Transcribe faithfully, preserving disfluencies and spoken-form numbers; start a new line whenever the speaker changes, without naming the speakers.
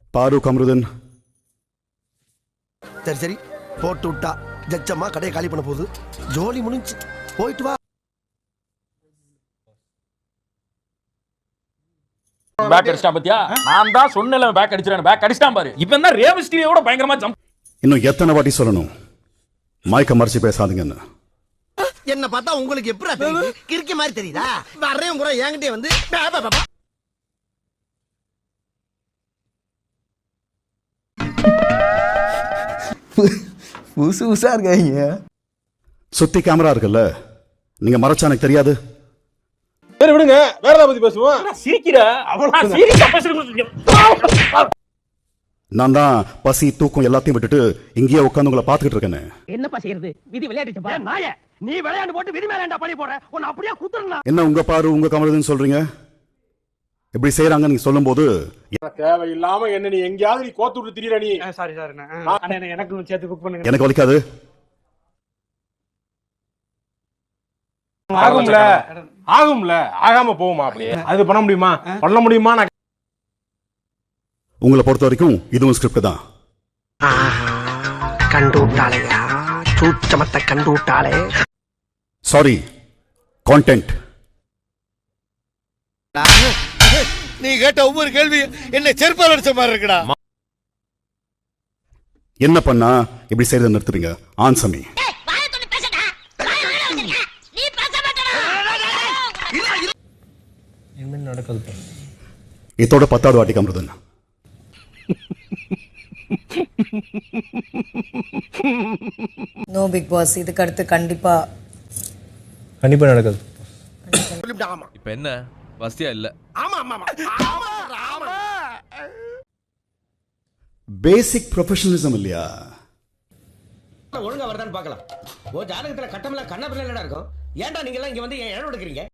பாரு கமருதன்.
சரி சரி போட்டு விட்டா ஜச்சம்மா கடையை காலி பண்ண போகுது. ஜோலி முடிஞ்சு போயிட்டு வா.
பேக் அடிச்சான் பாத்தியா? நான் தான் சொன்னேன்ல பேக் அடிச்சறேன். பேக் அடிச்சான் பாரு. இவன் தான் ரேவஸ்டியோட பயங்கரமா ஜம்ப்.
இன்னும் எத்தனை வாட்டி சொல்லணும் மைக்க மறைச்சு பேசாதீங்கன்னு?
என்ன பார்த்தா உங்களுக்கு எப்படி தெரியுது? கிறுக்கி மாதிரி தெரியுதா? வர்றேன் கூட என்கிட்டே வந்து
புதுசு புதுசா இருக்காங்க.
சுத்தி கேமரா இருக்குல்ல, நீங்க மறைச்சா எனக்கு தெரியாது.
சரி விடுங்க, வேற ஏதாவது பத்தி பேசுவோம்.
சிரிக்கிற அவ்வளவு சீரியஸா பேசுறீங்க.
நான் தான் பசி தூக்கம் எல்லாத்தையும் விட்டுட்டு இங்கேயே உட்காந்து உங்களை பாத்துக்கிட்டு இருக்கேன்னு.
என்னப்பா செய்யறது? விதி விளையாடிச்சப்பா. நாயே, நீ விளையாண்டு போட்டு விதி மேல ஏன்டா பழி போற? உன்னை அப்படியே குத்துறேன்.
என்ன உங்க பாரு உங்க கமருதன் சொல்றீங்க? எப்படி செய்யறாங்க நீங்க சொல்லும் போது
தேவையில்லாம என்ன நீ எங்கயாவது நீ கோத்து விட்டு திரியற நீ.
சாரி சார், எனக்கு சேர்த்து குக் பண்ணுங்க.
எனக்கு வலிக்காது.
ஆகும்ல ஆகும்ல ஆகாம போகுமா? அப்படியே அது பண்ண முடியுமா? பண்ண முடியுமா? நான்
உங்களை பொறுத்த வரைக்கும் இதுவும் ஸ்கிரிப்ட் தான்.
கண்டு விட்டாளையா, சூச்சமத்தை கண்டு விட்டாளே.
Sorry, content.
நீ கேட்ட ஒவ்வொரு கேள்வி என்ன செருப்பால் அடிச்ச மாதிரி இருக்குடா.
என்ன பண்ணா இப்படி செய்யறதை நிறுத்துறீங்க? ஆன்சமி. இதோட பத்தாவது வாட்டி கமருதன்.
நோ பிக் பாஸ், இதுக்கு அடுத்து கண்டிப்பா
கண்டிப்பா நடக்காது.
இப்ப என்ன வசதியா இல்ல?
பேசிக் ப்ரொஃபஷனலிசம் இல்லையா?
ஒழுங்கா வருதான்னு பார்க்கலாம். ஓ ஜாதகத்துல கட்டமெல்லாம் கண்ண பிள்ளை இருக்கும். ஏன்டா நீங்க எல்லாம் இங்க வந்து ஏன் எடுக்கிறீங்க?